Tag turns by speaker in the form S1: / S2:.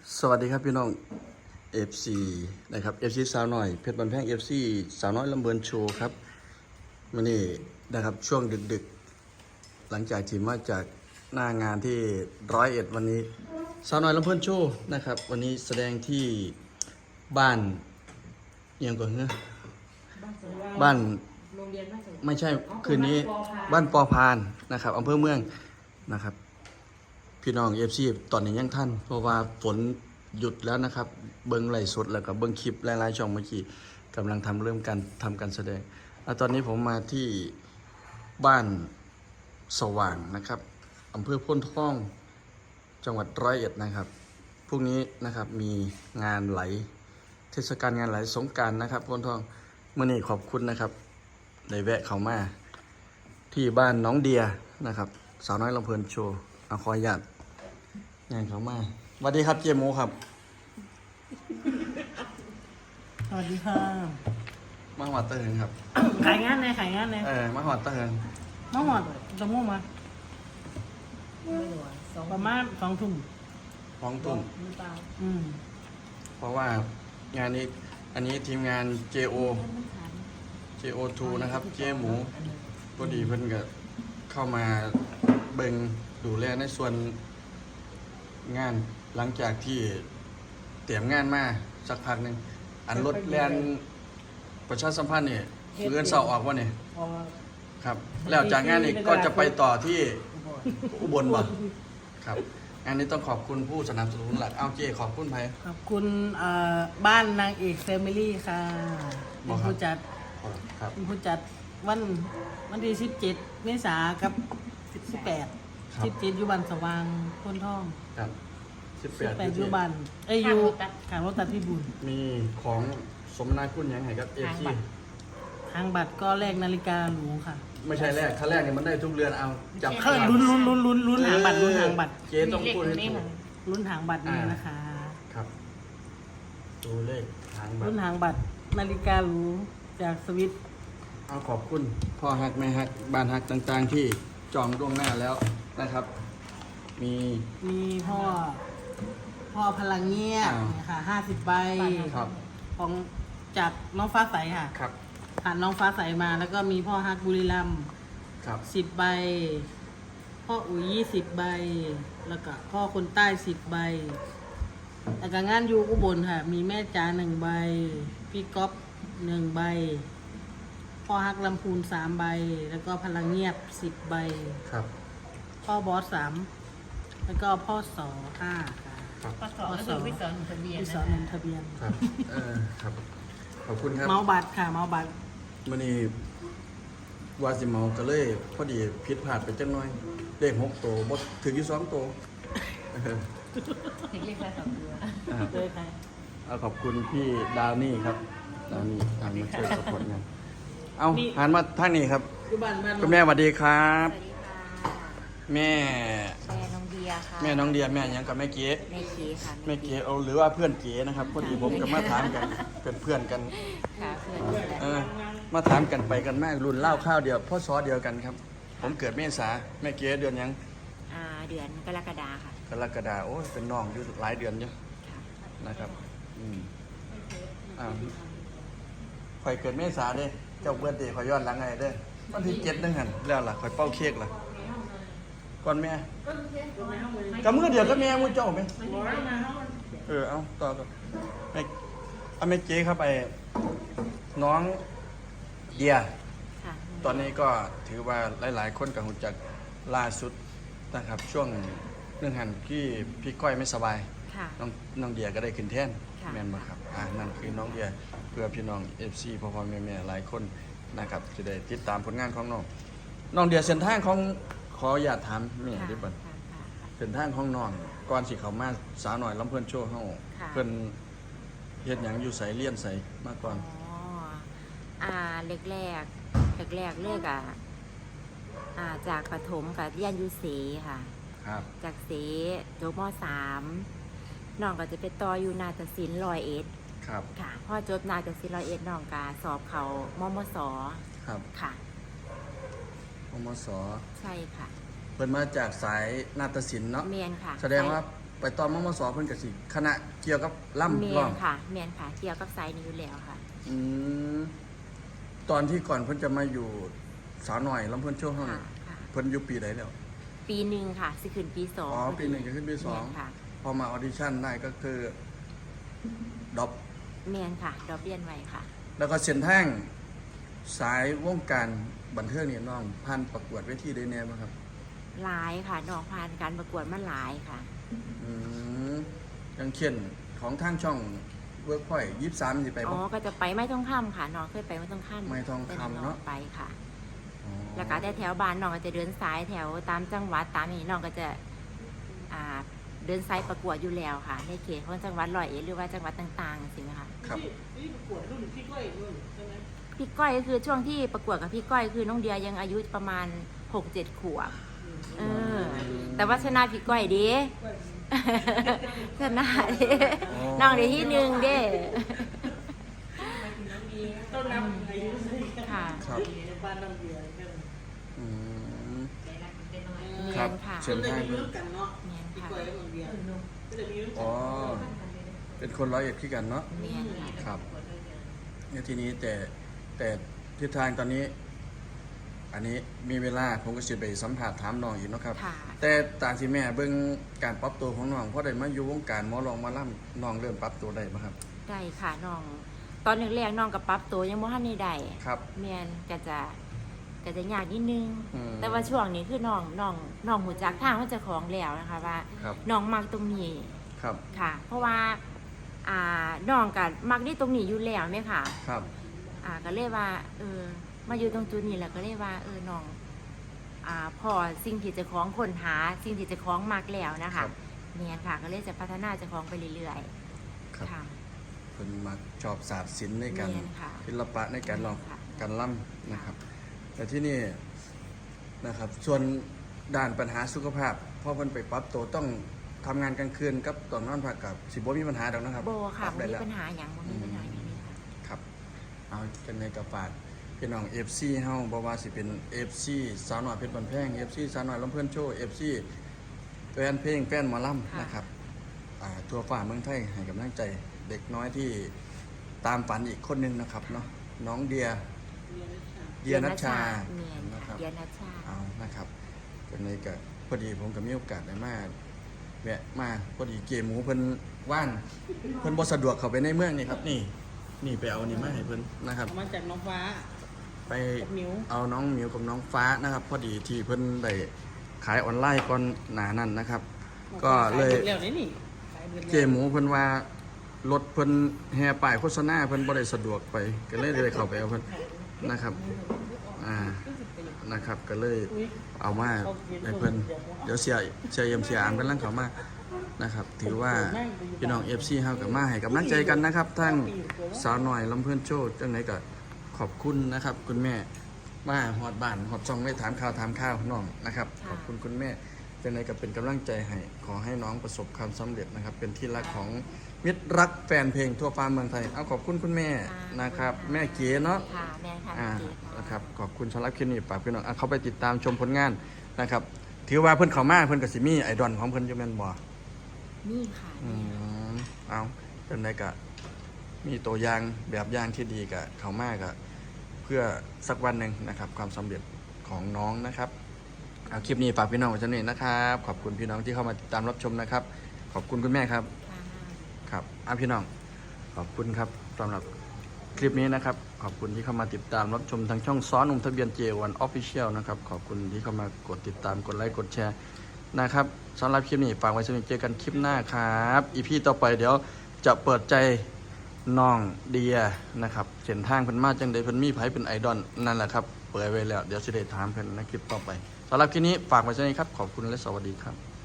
S1: สวัสดีครับพี่น้อง FC นะครับ FC สาวหน่อยเพชรบันแพง FC สาวน้อยลำเบินโชว์ครับวันนี้นะครับช่วงดึกๆหลังจากที่มาจากหน้างานที่101วันนี้สาวน้อยลำเบินโชว์นะครับวันนี้แสดงที่บ้านเอียงก่อนเนอะบ้าน
S2: โรงเรียนบ้านสวน
S1: ไม่ใช่คืนนี้บ้านปอพานนะครับอำเภอเมืองนะครับพี่น้องเอฟซีตอนนี้ยังท่านเพราะว่าฝนหยุดแล้วนะครับเบิ้งไลฟ์สดแล้วก็เบิ้งคลิปหลายๆช่องเมื่อกี้กำลังเริ่มการแสดงตอนนี้ผมมาที่บ้านสว่างนะครับอำเภอพ้นท่องจังหวัด101นะครับพรุ่งนี้นะครับมีงานไหลเทศกาลงานไหลสงกรานต์นะครับพ้นท่องเมื่อนี้ขอบคุณนะครับได้แวะเข้ามาที่บ้านน้องเดียนะครับสาวน้อยลำเพลินโชว์ขออนุญาตงานเข้ามาสวัสดีครับเจโมครับ
S2: สวัสดีค่ะ
S1: มาหอดเตอร์เฮิงครับ
S2: ขายงานเลย
S1: มาหอดเตอร์เฮิง
S2: น้องหอดจะมุ่งมาประมาณ2 ทุ่ม
S1: ฟ้องตุ่ม
S2: อืม
S1: เพราะว่างานนี้อันนี้ทีมงาน JO2 นะครับเจหมูพอดีเพิ่นก็เข้ามาเบิ่งดูแลในส่วนงานหลังจากที่เตรียมงานมาสักพักหนึ่งอันรถแลนประชาสัมพันธ์เนี่ยเลื่อนเสาออกวะเนี่ย
S2: พอ
S1: ครับแล้วจากงานนี้ก็จะไปต่อที่อุบลบ่ครับงานนี้ต้องขอบคุณผู้สนับสนุนหลักเอาเจขอบคุณไผ
S2: ขอบคุณบ้านนางเอกแฟมิลี่ค่ะ
S1: บ
S2: เป็
S1: อน กครับ
S2: ผู้จัด
S1: ครับ
S2: เป็นผู้จัดวันที่17 เมษายนกับ18 17อยู่บ้านสว่างพ้นท่อง
S1: ครับ18
S2: 18อยู่บ้านอยู่ขางรถตัดพี่บุญ
S1: มีของสมนาคุณยังไงครับเอฟซี
S2: ทางบัตรก็แลกนาฬิกาหรูค่ะ
S1: ไม่ใช่แรกถ้าแรกเนี่ยมันได้ทุกเรือนเอาจับ
S2: เขาลุ้นหางบัตรลุ้นหางบัตร
S1: เจ๊ต้องพูดให้ถูก
S2: ลุ้นหางบัตรนี่นะคะ
S1: ครับตัวเลขทางบัต
S2: รุ่น
S1: ร
S2: หางบัตรนาฬิกาหรูจากสวิต
S1: เอาขอบคุณพ่อฮักแม่ฮักบ้านฮักต่างๆที่จองล่วงหน้าแล้วนะครับ มี
S2: มีพ่อพลังเงียบ
S1: อ่า
S2: เนี่ยค่ะ50 ใบ
S1: ครับ
S2: ของจากน้องฟ้าใสค่ะ
S1: ครับ
S2: ผ่านน้องฟ้าใสมาแล้วก็มีพ่อฮักบุรีรัมย์
S1: ครับ
S2: 10 ใบ พ่ออุ๋ย20 ใบ แล้วก็พ่อคนใต้10 ใบแล้วก็งานอยู่อุบลค่ะ มีแม่จ๋า1 ใบ พี่ก๊อฟ1 ใบ พ่อฮักลำพูน3 ใบ แล้วก็พลังเงียบ10 ใบ
S1: ครับ
S2: พ่อบอส3แล้วก็พ่อสอ5ค่ะ
S1: ครับ
S3: ปสก็คือวิสอนทะเบียน
S2: พี่สอ
S3: นะ
S2: นทะเบียน
S1: ครับครับขอบคุณครับ
S2: เมาบัตรค่ะ เมาบัตร
S1: มื่อนี้วาสิเมาก็เลยพอดีผิดพลาดไปจังน้อยเลข6ตัวบ่ถึงอยู่2ตัว
S3: ถึงเรียกแค่2 ตัว
S2: เลยค่ะ
S1: เอาขอบคุณพี่ดาวนี่ครับดาวนี่ทางมาช่วยสปอร์ตงานเอาหันมาทางนี้ครับ
S2: อยู่บ้านบ้าน
S1: คุณแม่สวัสดีครับ
S3: สวัสดีค่ะ
S1: แม่
S3: แม่น้องเดียค่ะ
S1: แม่น้องเดียแม่หยังกับแม่เก๋
S3: แม่เก๋ค่ะ
S1: แม่เก๋เอาหรือว่าเพื่อนเก๋นะครับพอดีผมกับมาถามกันเป็นเพื่อนกัน
S3: ค่ะเพื่อนแหละ
S1: มาถามกันไปกันมากรุ่นเล่าข้าวเดียวพ่อซอเดียวกันครับ ผมเกิดเมษาแม่เก๋เดือนหยัง
S3: เดือนกรกฎาค่ะ
S1: กรกฎาโอ้ยเป็นน้องอยู่หลายเดือนเยอะ
S3: ค่ะ
S1: นะครับข่อยเกิดเมษาเด้เจ้าเบิร์ดเดย์ข่อยย้อนหลังไงเด้วันที่7นึงหันแล้วล่ะข่อยเป้าเค้กล่ะก่อนแม่กับมือเดียวก็แม่มูเจ้าไหมเอาต่อแม่เอาแม่เจ๊เข้าไปน้องเดีย
S3: ค่ะ
S1: ตอนนี้ก็ถือว่าหลายๆคนกับหุ่นจักล่าสุดนะครับช่วงเรื่องหันที่พี่ก้อยไม่สบาย
S3: ค่ะ
S1: น้องเดียก็ได้ขึ้นแท่น
S3: ค่ะ
S1: แม่นบ่ครับนั่นคือน้องเดียเพื่อพี่น้อง FC พ่อๆแม่ๆหลายคนนะครับจะได้ติดตามผลงานของน้องเดียเส้นทางของขออย่าตถามแม่
S3: ค่ะ
S1: ดิบัด
S3: ค่ะค่ะ
S1: เส้นทางของน้องก่อนสิเขามาสาวหน่อยลำเพิ่นโชว์เฮา
S3: ค่ะ
S1: เพิ่นเฮ็ดหยังอยู่ไสเรียนไสมาก่อน
S3: อ๋อแรกเลือกจากประถมกับเรียนอยูเสค่ะ
S1: ครับ
S3: จากเสจบม.3 น้องก็จะไปต่ออยู่นาฏศิลป์101
S1: ครับ
S3: ค่ะพอจบนาฏศิลป์101น้องก็สอบเขามมส
S1: ครับ
S3: ค่ะ
S1: มมส
S3: ใช่ค่ะ
S1: เพิ่นมาจากสายนาฏศิลป์เนาะ
S3: เมียนค่ะ
S1: แสดงว่าไปตอนมมสเพิ่นก็สิคณะเกี่ยวกับล่ำ
S3: เมี
S1: ร้
S3: ย
S1: อง
S3: นค่ะเมียนค่ะเกี่ยวกับสายนี้อยู่แล้วค่ะ
S1: อืมตอนที่ก่อนเพิ่นจะมาอยู่สาวหน่อยลำเพิ่นโชว์เฮา
S3: ค่ะ
S1: นี่
S3: ค่ะ
S1: เพิ่นอยู่ปีใดแล้ว
S3: ปีหนึ่งค่ะสิขึ้นปีสอง
S1: อ๋อปีหนึ่งจะขึ้นปีสอง
S3: เมียนค่ะ
S1: พอมาออดิชั่นได้ก็คือดรอป
S3: เมียนค่ะดอกเบี้ยนไว้ค่ะ
S1: แล้วก็เส้นทางสายวงการบันเทิงเนี่ยน้องผ่านประกวดเวทีได้แน่บ่ครับ
S3: หลายค่ะน้องผ่านการประกวดมาหลายค่ะ
S1: อืมอย่างเช่นของทางช่องเวิร์กพอย23สิไป
S3: อ๋
S1: บ่
S3: อก็จะไปไม้ทองคำค่ะน้องเคยไปไม้ทองคำ
S1: ไม้ทองคำเนอะ
S3: ไปค่ะ
S1: อ๋อ
S3: แล้วก็แต่แถวบ้านน้องก็จะเดินสายแถวตามจังหวัดตามอย่างนี้น้องก็จะเดินสายประกวดอยู่แล้วค่ะ ในเขตของจังหวัดร้อยเอ็ดหรือว่าจังหวัดต่างๆสินะคะ
S1: ครับ
S2: นี่ประกวดรุ่นพี่ก้อยรุ่นใช่ไหม
S3: พี่ก้อยก็คือช่วงที่ประกวดกับพี่ก้อยคือน้องเดียยังอายุประมาณ 6-7 ขวบเออแต่ว่าชนะพี่ก้อยดี ชนะดิน้องเดียที่หนึ่งเด้
S2: ต้นน้ำอายุ
S3: ค่ะ
S1: ครับ
S2: บ้านน้ำเบียร์กัน
S1: อืม
S3: เมี
S1: ครั
S3: ย
S1: บ
S3: นค่ะ
S1: เส้น
S2: จะ
S1: ทาง
S2: มี
S1: เพิ่
S2: รุ่
S1: น
S2: นกันเนาะ
S3: เมียน
S2: พี่
S3: ค่ะ
S2: ก้อยกับน้ำเบียร์ก็จะมีรุ่น
S1: อ๋อเป็นคนร้อยเอ็ดคือกันเนาะ
S3: เมียนค่ะ
S1: ครับเนี่ยทีนี้แต่ทิศทางตอนนี้ อันนี้มีเวลาผมก็สิไปสัมผัสถามน้องอีกเนาะครับ
S3: ค่ะ
S1: แต่ตามที่แม่เบิ่งการปรับตัวของน้องเพราะได้มาอยู่วงการหมอลองหมาล่ำน้องเริ่มปรับตัวได้บ่ครับ
S3: ได้ค่ะน้องตอนแรกๆน้องกับปรับตัวยังบ่ทันได้ได้
S1: ครับ
S3: เมียนก็จะยากนิดนึง
S1: อืม
S3: แต่ว่าช่วงนี้คือน้องหูจักทางว่าเจะของแล้วนะคะว่า
S1: ครับ
S3: น้องมักตรงนี้
S1: ครับ
S3: ค่ะ เพราะว่าน้องกับมักนี่ตรงนี้อยู่แล้วไหมค่ะ
S1: ครับ
S3: ก็เลยว่ามาอยู่ตรงจุดนี้แล้วก็เลยว่าน้องพอสิ่งที่เจะของค้นหาสิ่งที่เจะของมักแล้วนะ
S1: ครั
S3: คะ
S1: บ
S3: เมียนค่ะ ก็เลยจะพัฒนาเจะของไปเรื่อย
S1: ครับ
S3: ๆค่ะ
S1: เพิ่นมักชอบศาสตร์ศิลป์ในการ
S3: เรียนค่ะ
S1: ศิลปะในการร้อง
S3: ค่ะ
S1: การล่ำนะครับ แต่ที่นี่นะครับ ส่วนด้านปัญหาสุขภาพพอเพิ่นไปปรับตัวต้องทำงานกลางคืนกับตอนนอนพักกับสิบ่มีปัญหาดอกนะครับ
S3: โบค่ะ
S1: ปรับ
S3: บ่
S1: ได้
S3: มี
S1: แล้ว
S3: ปัญหาอย่างบ่มีปัญหาอย่างนี้ค่ะ
S1: ครับเอาจังในกระฝากพี่น้อง FC เฮาบ่ว่าสิเป็น FC สาวน้อยเพชรบันแพง FC สาวน้อยลำเพิ่นโชว์ FC แฟนเพลงแฟนหมอลำนะครับทั่วฟ้าเมืองไทยให้กำลังใจเด็กน้อยที่ตามฝันอีกคนหนึงนะครับเนาะน้องเดียนัชชา
S3: เมียน
S1: นะค
S3: ค่ะ
S1: รับ
S3: เดียนัชชา
S1: เอานะครับจังในก็พอดีผมก็มีโอกาสได้มาแวะมาพอดีเกมหมูเพิ่นว่างเพิ่นบ่สะดวกเข้าไปในเมืองนี่ครับนี่ไปเอานี่มาให้เพิ่นนะครับ
S2: มาจากน้องฟ้า
S1: ไป
S2: กับมิว
S1: เอาน้องหมิวกับน้องฟ้านะครับ พอดีที่เพิ่นได้ขายออนไลน์ก่อนหนานั้นนะครับ ก็เลย
S2: ขายเบิดแล้วนี่ขายเบิดแล้ว
S1: เจหมูเพิ่นว่ารถเพิ่นแห่ป้ายโฆษณาเพิ่นบ่ได้สะดวกไป ก็เลยได้เข้าไปเอาเพิ่นนะครับนะครับ ก็เลยเอามาให้เพิ่นเดี๋ยวเสียเอ็มเสียอามกำลังเข้ามานะครับ ถือว่าพี่น้อง FC เฮาก็มาให้กำลังใจกันนะครับทั้งสาวน้อยลำเพิ่นโชว์จังไดก็ขอบคุณนะครับ คุณแม่มาฮอดบ้านฮอดช่องได้ถามข่าวน้องนะครับ ขอบคุณคุณแม่จังไดก็เป็นกำลังใจให้ขอให้น้องประสบความสำเร็จนะครับ เป็นที่รักของมิตรรักแฟนเพลงทั่วฟ้าเมืองไทยเอาขอบคุณคุณแม่นะครับ แม่เก๋เนาะ
S3: ค่ะแม่ค่ะ
S1: นะครับขอบคุณสำหรับคลิปนี้ฝากพี่น้องเข้าไปติดตามชมผลงานนะครับ ถือว่าเพิ่นเข้ามาเพิ่นก็สิมีไอดอลของเพิ่นอยู่แม่นบ่
S3: นี่ค่ะ
S1: เอาเป็นไดก็มีตัวอย่างแบบอย่างที่ดีกับเขามากก็เพื่อสักวันหนึ่งนะครับ ความสำเร็จของน้องนะครับเอาคลิปนี้ฝากพี่น้องไว้เท่านี้นะครับขอบคุณพี่น้องที่เข้ามาติดตามรับชมนะครับ ขอบคุณคุณแม่ครับ
S3: ค่ะ
S1: ครับพี่น้องขอบคุณครับสำหรับคลิปนี้นะครับ ขอบคุณที่เข้ามาติดตามรับชมทางช่องซ้อนนุ่มทะเบียน J1 Official นะครับขอบคุณที่เข้ามากดติดตามกดไลค์กดแชร์นะครับสำหรับคลิปนี้ฝากไว้สำหรับเจอกันคลิปหน้าครับอีพีต่อไปเดี๋ยวจะเปิดใจน้องเดียนะครับเส้นทางเพิ่นมาจังใดเพิ่นมีไผเป็นไอดอลนั่นแหละครับเปิดไว้แล้วเดี๋ยวสิได้ถามเพิ่นในคลิปต่อไปสำหรับคลิปนี้ฝากไว้สำหรับครับขอบคุณและสวัสดีครับ